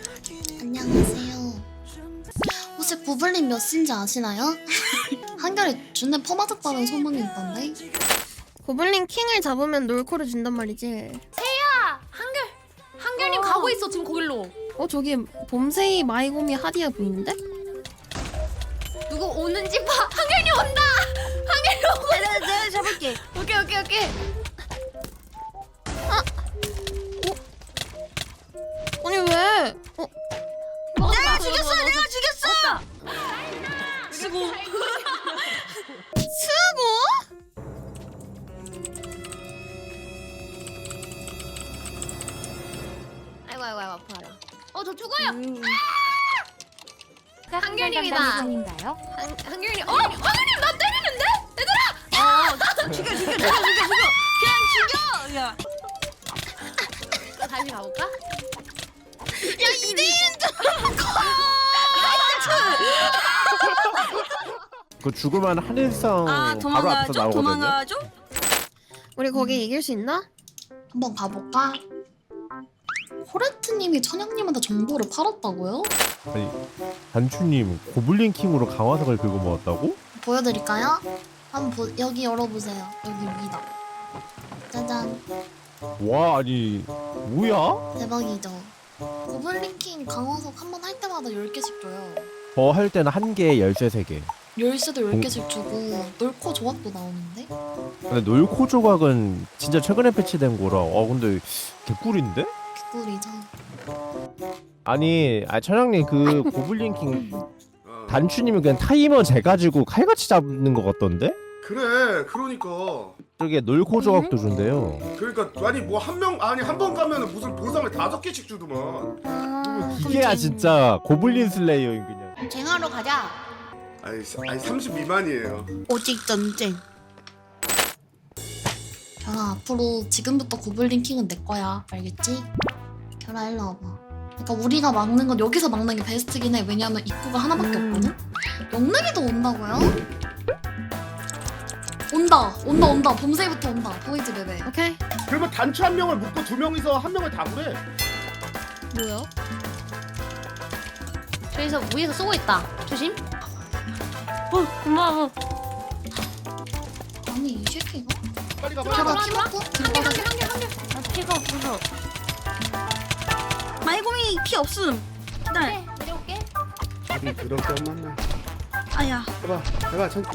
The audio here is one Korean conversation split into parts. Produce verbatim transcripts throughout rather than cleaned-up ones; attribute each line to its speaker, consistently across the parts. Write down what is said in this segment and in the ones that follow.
Speaker 1: 안녕하세요. 혹시 고블린 몇 시인지 아시나요? 한결에 준에 퍼맞았다는 소문이 있던데.
Speaker 2: 고블린 킹을 잡으면 놀코를 준단 말이지.
Speaker 3: 세야! 한결! 한결님
Speaker 2: 어.
Speaker 3: 가고 있어 지금 거길로.
Speaker 2: 어 저기 봄새이 마이고미 하디야 보이는데?
Speaker 3: 누구 오는지 봐. 한결님 온다! 한결님 오고
Speaker 2: 내가 내가 잡을게.
Speaker 3: 오케이 오케이 오케이.
Speaker 2: 아니 왜? 어?
Speaker 3: 내가
Speaker 2: 죽였어,
Speaker 3: 내가 죽였어!
Speaker 2: 수고. 수고?
Speaker 3: 아이고 아이고 아이고 아파라. 어 저 죽어요!
Speaker 2: 음.
Speaker 3: 한결님이다.
Speaker 4: 한결님인가요?
Speaker 3: 한, 한결님. 어! 한결님 나 때리는데? 얘들아!
Speaker 2: 어, 죽여 죽여 죽여 죽여 죽여. 그냥 죽여. 야.
Speaker 3: 다시 가볼까?
Speaker 2: 야 이대일인 줄.
Speaker 5: 그 죽으면 하늘성
Speaker 2: 아
Speaker 5: 바로 앞에서
Speaker 2: 도망가죠?
Speaker 5: 나오거든요.
Speaker 2: 도망가죠? 우리 거기 이길 수 있나?
Speaker 1: 한번 가볼까? 코레트님이 천영님한테 정보를 팔았다고요?
Speaker 5: 아니 단추님 고블린 킹으로 강화석을 긁어 모았다고?
Speaker 1: 보여드릴까요? 한번 보, 여기 열어보세요. 여기 위다. 짜잔.
Speaker 5: 와 아니 뭐야?
Speaker 1: 대박이죠. 고블린킹 강화석 한 번 할 때마다 열 개씩 줘요.
Speaker 5: 저 할 때는 한 개에 열쇠 세 개.
Speaker 1: 열쇠도 열 개씩 주고 놀코 조합도 나오는데?
Speaker 5: 근데 놀코 조각은 진짜 최근에 패치된 거라. 어 근데 개꿀인데?
Speaker 1: 개꿀이죠.
Speaker 5: 아니 아 천양님 그 고블린 킹 단추님이 그냥 타이머 재가지고 칼같이 잡는 것 같던데?
Speaker 6: 그래 그러니까
Speaker 5: 저게 놀코 조각도 준대요.
Speaker 6: 그러니까 아니 뭐 한 명 아니 한 번 가면은 무슨 보상을 다섯 개씩 주더만.
Speaker 2: 아,
Speaker 5: 이게야 진짜 고블린 슬레이어인 그냥.
Speaker 2: 쟁하러 가자.
Speaker 6: 아니 사- 아니 삼십 미만이에요.
Speaker 2: 오직 전쟁.
Speaker 1: 결아 앞으로 지금부터 고블린킹은 내 거야. 알겠지? 결아 일로 와봐. 그러니까 우리가 막는 건 여기서 막는 게 베스트긴 해. 왜냐면 입구가 하나밖에
Speaker 2: 음.
Speaker 1: 없거든? 영락이도 온다고요? 온다! 온다 온다! 봄새부터 온다. 보이지 베베?
Speaker 2: 오케이.
Speaker 6: 그러면 단추 한 명을 묶고 두 명이서 한 명을 다 그래.
Speaker 2: 뭐야?
Speaker 3: 저기서 위에서 쏘고 있다. 조심.
Speaker 2: 어 고마워.
Speaker 1: 아니 이 새끼가?
Speaker 6: 빨리 가봐.
Speaker 1: 결아
Speaker 3: 들어와,
Speaker 1: 키
Speaker 3: 들어와.
Speaker 1: 먹고
Speaker 3: 한결
Speaker 1: 들어가자.
Speaker 3: 한결 한결 한결.
Speaker 2: 나 피가 없어서. 마이고미 피 없음. 기다려.
Speaker 3: 네 내려올게.
Speaker 6: 아니 그렇게 만나.
Speaker 2: 아야.
Speaker 6: 해봐 해봐 천.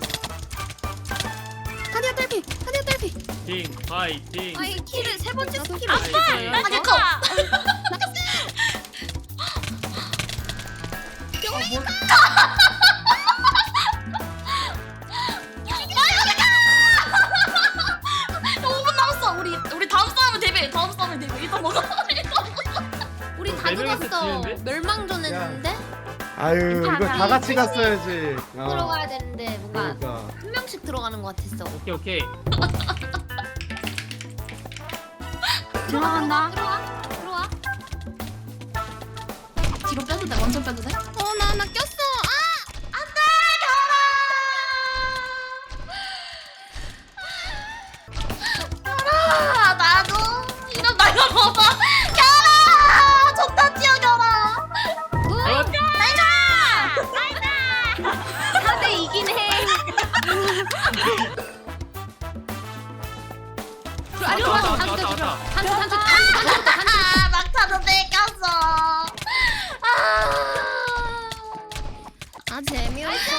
Speaker 2: 하디야 딸피. 하디야 딸피.
Speaker 7: 팅 파이팅
Speaker 3: 아이 키를 세 번째 스킬.
Speaker 7: 파이팅.
Speaker 3: 아 잠깐.
Speaker 1: 오 분 남았어. 우리 우리 다음 싸움은 데뷔. 다음 싸움은 데뷔. 일단 먹어.
Speaker 3: 우린 다
Speaker 7: 네 명이서
Speaker 3: 죽었어.
Speaker 7: 지는데?
Speaker 3: 멸망전 했는데
Speaker 6: 아유 이거 다 같이 갔어야지. 어.
Speaker 3: 들어가야 되는데 뭔가
Speaker 6: 그러니까.
Speaker 3: 한 명씩 들어가는 것 같았어.
Speaker 7: 오케이 오케이
Speaker 2: 들어간다.
Speaker 3: 들어와 들어와.
Speaker 1: 뒤로 빼도 돼. 완전 빼도 돼?
Speaker 2: 어 나 나 꼈어.
Speaker 1: 아 나도 이런 나 이거 봐봐. 결아! 좋다 뛰어 결아.
Speaker 3: 사 대 이긴 해. 아니
Speaker 7: 왔다,
Speaker 3: 왔다
Speaker 7: 왔다,
Speaker 3: 왔다
Speaker 7: 왔다,
Speaker 3: 왔다. 단추 단추 단추 단추 단추.
Speaker 1: 아 막타도 뺏겼어.
Speaker 2: 아 재미없어.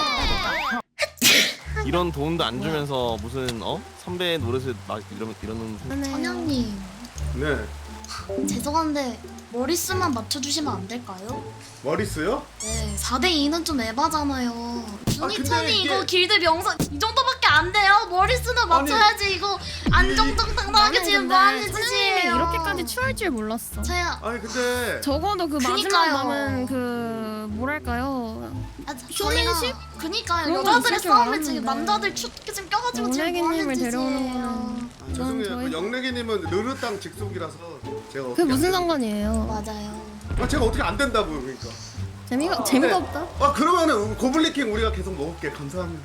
Speaker 8: 이런 돈도 안 주면서 무슨 어 선배 노릇을 막 이러면 이러는
Speaker 1: 천양님
Speaker 6: 네
Speaker 1: 죄송한데 머리수만 맞춰주시면 안 될까요?
Speaker 6: 머리 쓰요?
Speaker 1: 네 사 대 이는 좀 에바잖아요. 준이천이
Speaker 6: 근데
Speaker 1: 이거
Speaker 6: 이게-
Speaker 1: 길드 명성 이 정도밖에 안 돼요? 머리수는 맞춰야지. 이거 안정당당하게 지금 뭐하는 짓이에요.
Speaker 2: 이렇게까지 추할 줄 몰랐어.
Speaker 1: 제가
Speaker 6: 아니 근데
Speaker 2: 적어도 그 마지막
Speaker 1: 그니까요.
Speaker 2: 남은 그 뭐랄까요?
Speaker 1: 아,
Speaker 2: 쇼맨십?
Speaker 1: 저희가 그니까요.
Speaker 2: 그런 거
Speaker 1: 여자들의
Speaker 2: 있을 줄
Speaker 1: 싸움에
Speaker 2: 알았는데.
Speaker 1: 지금 남자들 축 지금 껴가지고 지금
Speaker 2: 오래기님을
Speaker 1: 뭐하는
Speaker 2: 데려오는
Speaker 1: 짓이에요.
Speaker 2: 거는
Speaker 6: 아, 죄송해요.
Speaker 2: 저희-
Speaker 6: 그 영래기님은 르르 땅 직속이라서 제가
Speaker 2: 그게
Speaker 6: 어떻게
Speaker 2: 무슨
Speaker 6: 안
Speaker 2: 상관이에요?
Speaker 1: 맞아요.
Speaker 6: 된- 아, 제가 어떻게 안 된다고요 그러니까.
Speaker 2: 재미가 재미가
Speaker 6: 네.
Speaker 2: 없다.
Speaker 6: 아 그러면은 고블린킹 우리가 계속 먹을게. 감사합니다.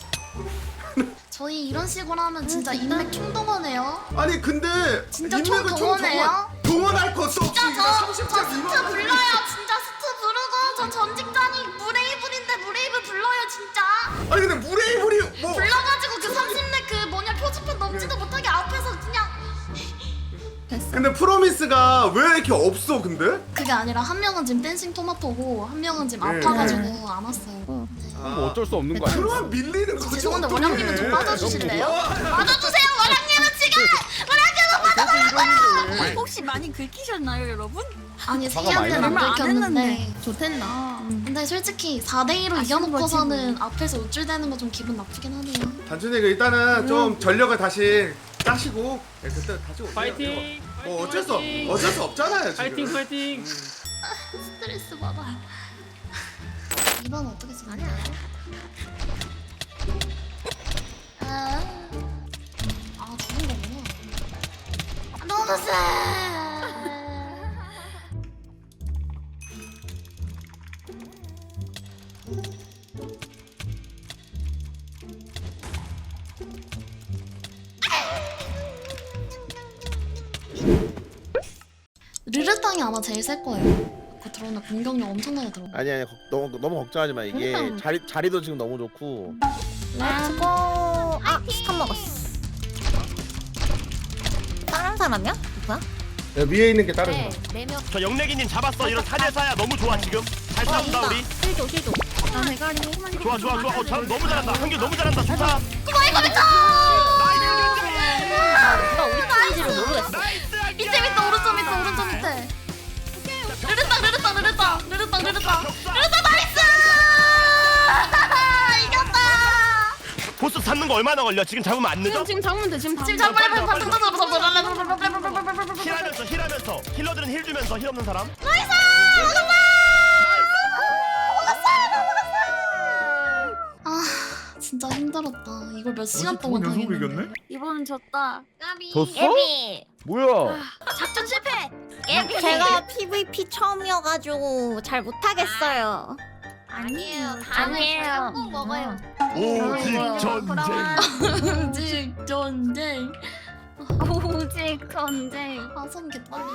Speaker 1: 저희 이런 식으로 하면 진짜 인맥 총동원해요.
Speaker 6: 아니 근데
Speaker 1: 진짜
Speaker 6: 인맥을 총
Speaker 1: 총동원해요?
Speaker 6: 동원- 동원할 것도 없이
Speaker 1: 진짜
Speaker 6: 그냥
Speaker 1: 저,
Speaker 6: 삼십
Speaker 1: 저
Speaker 6: 장
Speaker 1: 진짜
Speaker 6: 이만-
Speaker 1: 불러요. 진짜
Speaker 6: 애가 왜 이렇게 없어 근데?
Speaker 1: 그게 아니라 한 명은 지금 댄싱 토마토고 한 명은 지금
Speaker 6: 네.
Speaker 1: 아파가지고 안 왔어요.
Speaker 2: 어.
Speaker 6: 아,
Speaker 5: 뭐 어쩔 수 없는 거 아니야?
Speaker 6: 그러면 밀리는 거지.
Speaker 1: 죄송한데
Speaker 6: 어떡해.
Speaker 1: 원장님은 좀 빠져주실래요? 빠져주세요 원장님은 지금!
Speaker 2: 혹시 많이 긁히셨나요, 여러분?
Speaker 1: 아니
Speaker 5: 화가 많이
Speaker 1: 세이한테는 안
Speaker 2: 얼마 안
Speaker 1: 들켰는데
Speaker 2: 했는데. 좋댔나?
Speaker 1: 근데 솔직히 사 대 이로
Speaker 2: 아쉬운
Speaker 1: 이겨놓고서는 앞에서 우쭐대는 거 좀 기분 나쁘긴 하네요.
Speaker 6: 단순히 그 일단은 좀 전력을 다시 짜시고 예, 그때 다시 오세요.
Speaker 4: 파이팅!
Speaker 6: 뭐 어쩔 수 없,
Speaker 4: 파이팅!
Speaker 6: 어쩔 수 없잖아요 지금.
Speaker 4: 파이팅 파이팅!
Speaker 1: 스트레스 받아. 이번 어떻게 쓰냐? 아, 아 죽은 거구나. 너무 쎄. 르르땅이 아마 제일 셀 거예요. 그 들어오는 공격력 엄청나게 들어.
Speaker 8: 아니 아니 걱- 너무 너무 걱정하지 마. 이게
Speaker 2: 그러니까.
Speaker 8: 자리 자리도 지금 너무 좋고.
Speaker 2: 렛츠고. 아, 스칸 먹었어. 다른 사람이야? 누구야?
Speaker 6: 예, 위에 있는 게 다른
Speaker 2: 네,
Speaker 6: 사람.
Speaker 2: 네 명.
Speaker 7: 저 영래기님 잡았어. 이런 사대사야 너무 좋아 지금. 잘 싸운다 우리.
Speaker 2: 실조, 실조. 나 대가리.
Speaker 7: 좋아 좋아 좋아. 어 잘, 너무 잘한다. 한결 너무 잘한다. 좋다.
Speaker 2: 나 우리 팀인지를 모르겠어.
Speaker 7: 나이스 한결.
Speaker 1: 밑에 밑에 오른쪽 밑에 오른쪽 밑에. 르르땅 르르땅 르르땅 르르땅 르르땅 르르땅 나이스! 이겼다.
Speaker 7: 보스 잡는 거 얼마나 걸려? 지금 잡으면 안 늦어?
Speaker 2: 지금 잡으면 돼, 지금
Speaker 1: 지금 잡아야 돼.
Speaker 7: 빨리, 빨리,
Speaker 1: 빨리
Speaker 7: 힐하면서 힐하면서 힐러들은 힐 주면서 힐 없는 사람.
Speaker 1: 아 진짜 힘들었다. 이걸 몇 시간 동안 당했는데.
Speaker 2: 이번은 졌다. 까비.
Speaker 5: 졌어? 뭐야?
Speaker 2: 작전 실패.
Speaker 9: 제가 피브이피 처음이어가지고 잘 못하겠어요.
Speaker 2: 아니에요. 다음에 꼭 먹어요.
Speaker 7: 오직 전쟁.
Speaker 1: 오직 전쟁.
Speaker 2: 오직 전쟁.
Speaker 1: 아손 개떨리.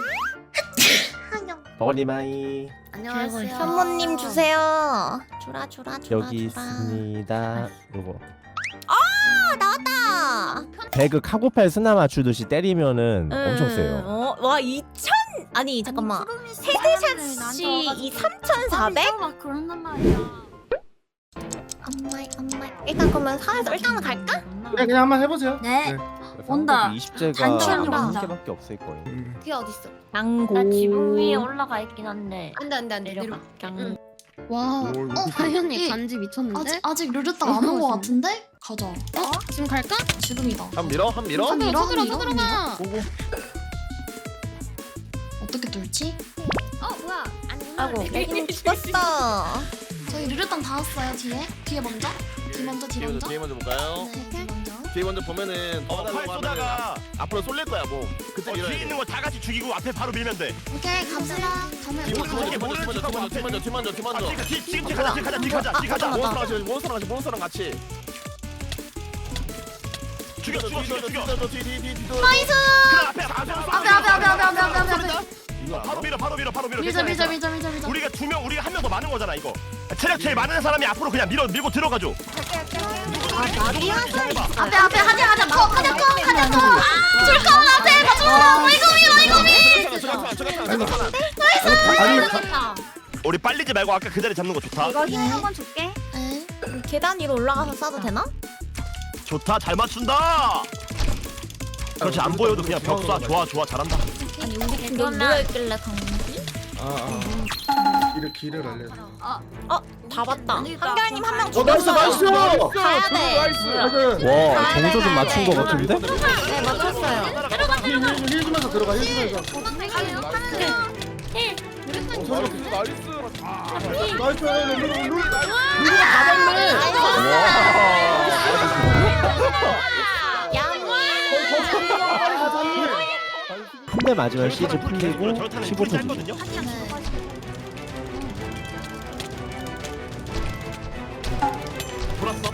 Speaker 5: 버니마이
Speaker 2: 안녕하세요.
Speaker 9: 현모님 주세요. 주라 주라 주라
Speaker 5: 여기
Speaker 9: 주라.
Speaker 5: 있습니다. 요거
Speaker 9: 아 나왔다.
Speaker 5: 배그 카고팔 스나 맞추듯이 때리면은 엄청
Speaker 9: 음,
Speaker 5: 세요.
Speaker 9: 어, 와 이천 아니 잠깐만. 헤드샷이 이 삼천사백?
Speaker 2: 막 그런단 말이야.
Speaker 9: 엄마이 엄마이. 일단 그러면 사에서 일단은 갈까?
Speaker 6: 그냥 그냥 한번 해보세요.
Speaker 2: 네. 온다.
Speaker 5: 이십 제가
Speaker 2: 단추는
Speaker 5: 한
Speaker 2: 온다.
Speaker 5: 개밖에 없을 거예요.
Speaker 9: 그게 어딨어? 양고.
Speaker 2: 나 지붕 위에 올라가 있긴 한데.
Speaker 9: 안돼 안돼 안돼
Speaker 2: 내려가.
Speaker 9: 양.
Speaker 2: 와.
Speaker 6: 오, 이거
Speaker 1: 어
Speaker 2: 다현이
Speaker 1: 이-
Speaker 2: 간지 미쳤는데?
Speaker 1: 아직 아직 르르땅 안 온 거 같은데? 가자.
Speaker 2: 어? 지금 갈까?
Speaker 1: 지금이다.
Speaker 8: 한 밀어 한 밀어.
Speaker 1: 한 밀어 한 밀어.
Speaker 2: 서들어가.
Speaker 8: 보고.
Speaker 1: 어떻게 뚫지?
Speaker 2: 어 뭐야?
Speaker 9: 아이고 애기는 죽었어.
Speaker 1: 저희 르르땅 다 왔어요 뒤에. 뒤에 먼저. 뒤 먼저 뒤
Speaker 8: 뒤에 먼저
Speaker 1: 먼저.
Speaker 8: 뒤에 먼저 볼까요?
Speaker 1: 네 뒤 먼저.
Speaker 8: 뒤에 먼저 보면은
Speaker 7: 어,
Speaker 8: 더
Speaker 7: 팔
Speaker 8: 달라고
Speaker 7: 쏘다가
Speaker 8: 하면은 앞으로 쏠릴 거야 뭐. 그때
Speaker 7: 어,
Speaker 8: 밀어야
Speaker 7: 뒤에
Speaker 8: 돼.
Speaker 7: 있는 거 다 같이 죽이고 앞에 바로 밀면 돼.
Speaker 1: 오케이 갑시다. 가면.
Speaker 8: 뒤 먼저
Speaker 7: 이거
Speaker 8: 뒤 먼저 뒤 먼저 뒤 먼저 뒤 먼저 뒤 먼저 뒤
Speaker 7: 아,
Speaker 8: 먼저.
Speaker 7: 지금 뒤 지금 뒤 가자 뒤 가자 뒤 가자 뒤 가자.
Speaker 8: 몬스터랑 같이 몬스터랑 같이 몬스터랑 같이.
Speaker 7: 죽여 죽여 죽여 죽여.
Speaker 8: 뒤뒤뒤뒤
Speaker 1: 나이스.
Speaker 7: 그래 앞에 앞에
Speaker 1: 앞에 앞에 앞에 앞에 앞에 앞에 앞에 앞에.
Speaker 7: 바로 밀어 바로 밀어 바로 밀어.
Speaker 1: 밀자 밀자
Speaker 7: 괜찮아,
Speaker 1: 밀자 밀자 밀자.
Speaker 7: 우리가 두 명 우리가 한 명 더 많은 거잖아 이거. 체력 제일 많은 사람이 앞으로 그냥 밀어 밀고 들어가줘.
Speaker 1: 앞에 앞에 하냐 하냐 커 하냐 커 하냐 커. 줄거 앞에 가줘. 이거 이거 이거.
Speaker 6: 아니
Speaker 7: 우리 빨리지 말고 아까 그 자리 잡는 거 좋다.
Speaker 9: 이거 힘 한번 줄게.
Speaker 1: 네.
Speaker 9: 계단 위로 올라가서 쏴도 되나?
Speaker 7: 좋다 잘 맞춘다. 그렇지 안 보여도 그냥 벽 쏴. 좋아 좋아 잘한다.
Speaker 9: 아니 우리 팀 여기 누워있길래 강지?
Speaker 6: 아, 길을 길을 알려줘.
Speaker 9: 어? 다 봤다. 한결님 한 명
Speaker 6: 어 나이스
Speaker 9: 죽었어요.
Speaker 6: 나이스.
Speaker 9: 가야 돼.
Speaker 6: 나이스.
Speaker 5: 와 정조 좀 맞춘 거 같은데?
Speaker 9: 네 맞췄어요.
Speaker 6: 힐, 힐 주면서 들어가 힐 주면서. 어, 서로 나이스. 나이스. 룰 룰. 룰 가봤네.
Speaker 5: 한 대 맞으면 시즈 풀리고 십오 초 뒤.
Speaker 7: 했거든요. 돌았어.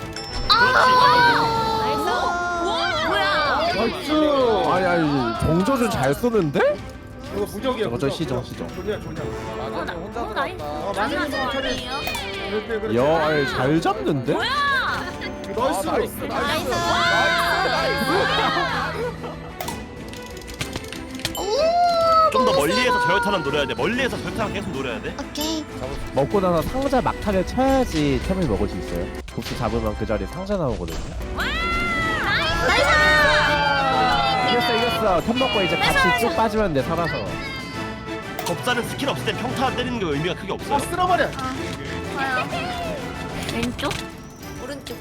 Speaker 6: 나이스.
Speaker 5: 아니 아니 정조 좀 잘 쏘는데?
Speaker 6: 이거 부적이야.
Speaker 5: 저거 저
Speaker 6: 부적,
Speaker 5: 시정,
Speaker 6: 부적.
Speaker 5: 시정.
Speaker 6: 좋냐 좋냐.
Speaker 2: 혼자 들어갔다.
Speaker 6: 어 마지막 처리. 그렇게 그렇게.
Speaker 5: 야 아니 잘 잡는데?
Speaker 6: 나이스. 나이스.
Speaker 9: 나이스.
Speaker 1: 오
Speaker 7: 좀 더 멀리에서 저혈탄을 노려야 돼. 멀리에서 저혈탄을 계속 노려야 돼.
Speaker 1: 오케이.
Speaker 5: 먹고 나서 상자 막타를 쳐야지 템을 먹을 수 있어요. 보스 잡으면 그 자리에 상자 나오거든요. 이겼어 이겼어. 템 먹고 이제 같이 쭉 빠지면 돼 살아서.
Speaker 7: 법사는 스킬 없을 때 평타 때리는 게 의미가 크게
Speaker 6: 아
Speaker 7: 없어요.
Speaker 6: 쓸어버려.
Speaker 2: 왼쪽?
Speaker 9: 오른쪽.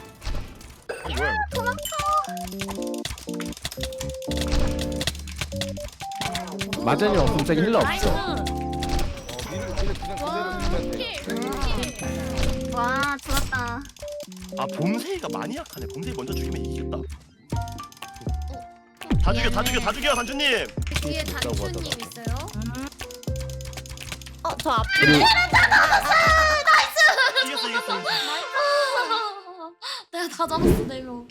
Speaker 5: 마전이 없으면 저기 힐러 없어.
Speaker 2: 와 좋았다.
Speaker 7: 아 봄새가 많이 약하네. 봄새 먼저 죽이면 이기겠다. 다 죽여 다 죽여 다 죽여 단주님.
Speaker 3: 뒤에 단추님 있어요.
Speaker 9: 어, 저 앞에.
Speaker 5: 그리고
Speaker 7: 이겼어 이겼어.
Speaker 1: 내가 다 잡았어 네 명.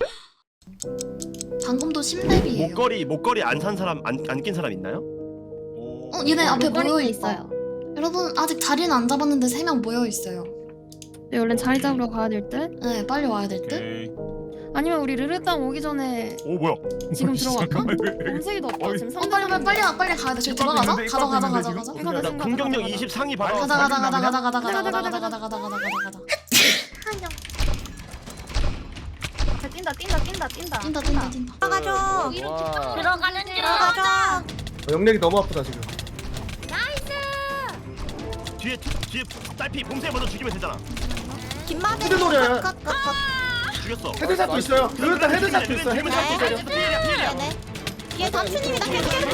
Speaker 1: 방금도 십렙이에요.
Speaker 7: 목걸이 목걸이 안 산 사람 안 안 낀 사람 있나요?
Speaker 1: 어 얘네 앞에
Speaker 3: 목걸이
Speaker 1: 모여
Speaker 3: 있어요.
Speaker 1: 있어요. 여러분 아직 자리는 안 잡았는데 세 명 모여 있어요.
Speaker 3: 네, 얼른 자리 잡으러 가야 될 듯.
Speaker 1: 네 빨리 와야 될 듯.
Speaker 3: 아니면 우리 르르땅 오기 전에
Speaker 7: 오 뭐야?
Speaker 3: 지금 들어갈까? 검색이도 없다. 지금
Speaker 1: 어 빨리 빨리 빨리 가 빨리 가야 돼. 저기 들어가자. 가자 가자 가자 가자.
Speaker 3: 이거 가자,
Speaker 7: 나
Speaker 3: 가자,
Speaker 7: 공격력
Speaker 3: 가자,
Speaker 7: 이십 상위 받아.
Speaker 1: 가자 가자 가자 가자 가자 가자 가자
Speaker 3: 가자,
Speaker 1: 가자
Speaker 3: 가자,
Speaker 1: 가자 가자 가자 가자 가자.
Speaker 2: 자, 뛴다 뛴다 뛴다 뛴다.
Speaker 1: 뛴다 뛴다 뛴다.
Speaker 9: 들어가죠.
Speaker 2: 들어가는 중.
Speaker 9: 들어가죠.
Speaker 6: 영력이 너무 아프다 지금.
Speaker 7: 뒤에 뒤에 딸피 봄새 먼저 죽이면 되잖아.
Speaker 9: 김마대.
Speaker 6: 헤드 노려요.
Speaker 9: 컷컷컷.
Speaker 7: 죽였어.
Speaker 6: 헤드샷도 있어요. 그럴단 헤드샷도 있어. 헤드샷도
Speaker 9: 네.
Speaker 6: 있어요.
Speaker 7: 피해야 피해야.
Speaker 9: 네네. 뒤에 단추님이다. 계속 계속.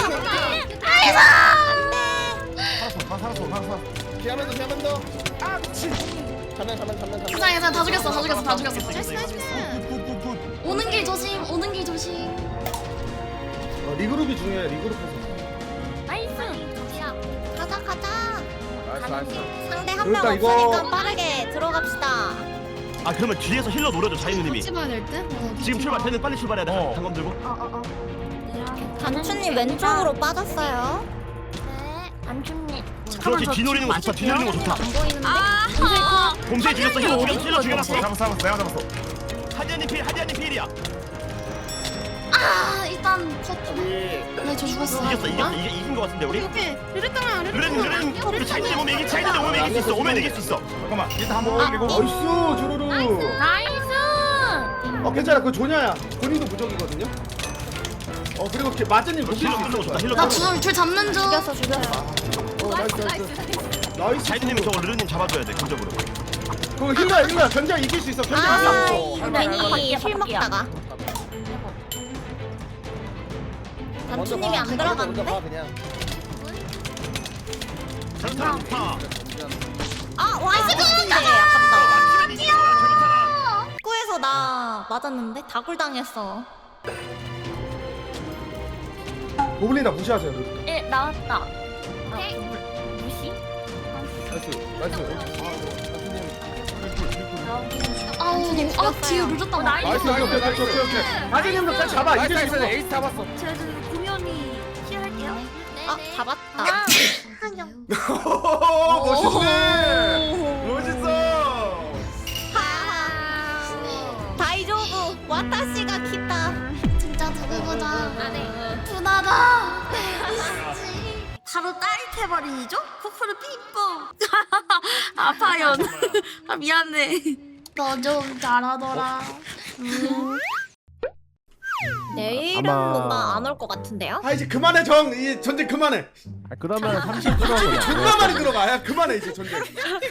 Speaker 6: 살았어 살았어. 피하면서 피하면서. 아 미친. 가면 가면 가면 가면.
Speaker 1: 괜찮아 괜찮아 다 죽였어 다 죽였어 다 죽였어.
Speaker 3: 나이스 나이스 나이스.
Speaker 1: 오는 길 조심 오는 길 조심.
Speaker 6: 어, 리그룹이 중요해. 리그룹에서.
Speaker 2: 나이스.
Speaker 9: 가자 가자.
Speaker 6: 나이스 나이스.
Speaker 9: 상대 한 명
Speaker 6: 그러니까 이거-
Speaker 9: 없으니까 빠르게 들어갑시다.
Speaker 7: 아 그러면 뒤에서 힐러 노려줘 자이누님이.
Speaker 3: 같이 봐야 될 듯. 어,
Speaker 7: 지금 출발 쟤는 빨리 출발해야 돼.
Speaker 6: 어.
Speaker 7: 단검 들고.
Speaker 2: 어어어.
Speaker 9: 단추님 왼쪽으로 빠졌어요.
Speaker 2: 네. 단추님.
Speaker 7: 그렇지 뒤 노리는 거 좋다. 뒤 노리는 거 좋다.
Speaker 2: 안 보이는데?
Speaker 7: 봄새 죽였어. 힐러 죽였어. 힐러 죽여놨어.
Speaker 6: 잡았어 잡았어. 내가 잡았어.
Speaker 7: 하디아님 필 하디아님 필이야.
Speaker 1: 아 일단 컷. 네저 죽었어.
Speaker 7: 이겼어 이겼어 이게 이긴 거 같은데 우리.
Speaker 3: 오케이 르르땅아
Speaker 7: 르렌
Speaker 3: 르르땅아.
Speaker 7: 르렌 우리 자이누님 오면 이기 자이누님 오면 이길 수 있어. 오면 이길 수 있어.
Speaker 6: 잠깐만. 일단 한번 올리고. 나이스 조르르.
Speaker 2: 나이스.
Speaker 6: 어 괜찮아. 그 조냐야. 본인도 무적이거든요. 어 그리고 걔 마즈님
Speaker 7: 힐러
Speaker 6: 녹일 수
Speaker 7: 끊는 거 좋다.
Speaker 6: 있어.
Speaker 7: 힐러 끊는 거.
Speaker 1: 나줄줄 잡는 중.
Speaker 9: 죽였어 죽였어.
Speaker 6: 어 나이스 나이스. 나이스.
Speaker 7: 자이누님이 저거 르렌님 잡아줘야 돼 근접으로.
Speaker 6: 그거 힐러야 힐러야. 견제 이길 수 있어. 견제
Speaker 9: 아
Speaker 6: 이길 수 있어.
Speaker 9: 괜히 힐 먹다가. 단추님이 안 들어갔는데?
Speaker 7: 전타 좋다.
Speaker 9: 아 와이스인데 아깝다. 입구에서 나 맞았는데 다굴 당했어.
Speaker 6: 고블린 무시하세요. 그.
Speaker 2: 예 나왔다. 오케이. 무시?
Speaker 6: 나이스 나이스.
Speaker 1: 아우 너무 아 뒤에 물렸다.
Speaker 2: 나이스.
Speaker 6: 나이스 나이스 오케이 오케이 오케이 오케이. 마즈님도 딱 잡아. 이길 수 있어. 에이스 잡았어.
Speaker 2: 제가 지금 공연이 시작할게요.
Speaker 9: 아 잡았다.
Speaker 2: 아.
Speaker 6: 오 멋있네. 멋있어.
Speaker 9: 하하. 다이조부 와타시가 키다.
Speaker 1: 진짜 두고 보자.
Speaker 2: 네.
Speaker 1: 분하다.
Speaker 2: 바로 따릿해버리죠? 코프를 핑퐁. 아파요. 아 미안해.
Speaker 1: 너 좀 잘하더라.
Speaker 9: 내일은
Speaker 5: 아마-
Speaker 9: 뭔가 안 올 것 같은데요?
Speaker 6: 아 이제 그만해 정. 이 전쟁 그만해.
Speaker 5: 아, 그러면 삼십 들어가고
Speaker 6: 존나 많이 들어가. 야 그만해 이제 전쟁.